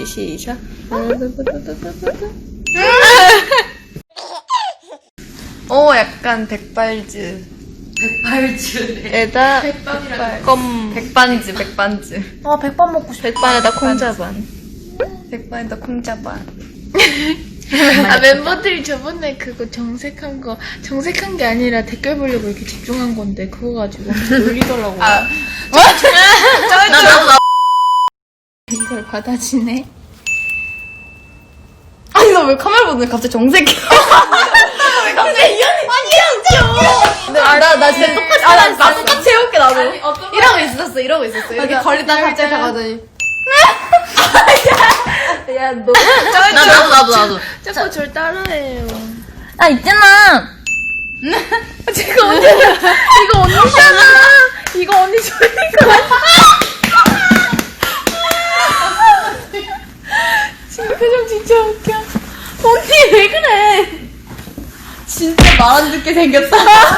시작. 약간 백발즈. 에다 백반즈. 백반 먹고 싶어. 백반에다 콩자반. 백반에다 콩자반. 멤버들이 저번에 그거 정색한 게 아니라 댓글 보려고 이렇게 집중한 건데, 그거 가지고 놀리더라고요. 나도. 이걸 받아주네. 아니, 나 왜 카메라 보는데 갑자기 정색해? 나 진짜 똑같이. 나 똑같이 해볼게, 나도. 이러고 있었어. 이렇게 걸리다가 갑자기 가더니. 야, 너. 나도. 자꾸 절 따라해요. 있잖아. 이거 언니잖아. 이거 언니 저니까. 지금 표정 진짜 웃겨. 언니, 왜 그래? 진짜 말 안 듣게 생겼다.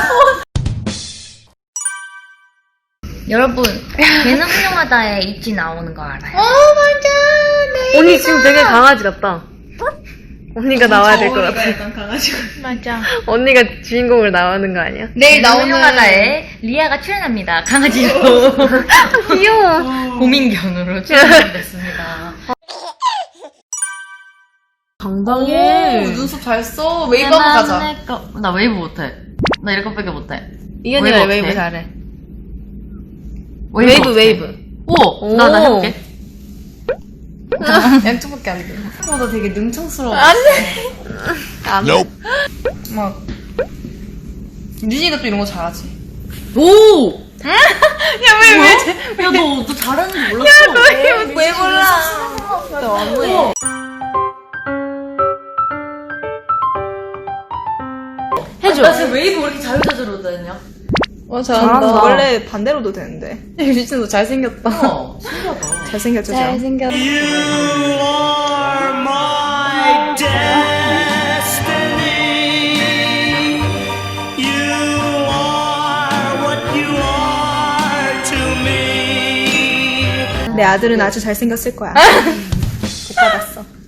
여러분, 걔는 훌륭하다에 입지 나오는 거 알아요? 맞아. 언니 지금 되게 강아지 같다. 언니가 나와야 될 것 같아. 맞아. 언니가 주인공으로 나오는 거 아니야? 내일 나오는 훌륭하다에 리아가 출연합니다. 강아지로. 귀여워. 고민견으로 출연됐습니다. 당당해. 눈썹 잘 써. 웨이브 한번 가자. 나 웨이브 못해. 나 이런 거밖에 못해. 이현이가 웨이브 웨이브 어때? 잘해. 웨이브. 오. 나 해볼게. 양쪽밖에 안 돼. 나 되게 능청스러워. 안 돼. 막. 윤이가 또 이런 거 잘하지. 오! 야, 왜? 야, 너 잘하는 줄 몰랐어. 왜 몰라? 너무해. 해줘. 나 지금 웨이브 왜 이렇게 자유자재로 다녔냐? 잘한다. 원래 반대로도 되는데. 유진 너 잘생겼다. 신기하다. 잘생겼죠? 잘생겼어. 내 아들은 아주 잘생겼을 거야. 못 받았어.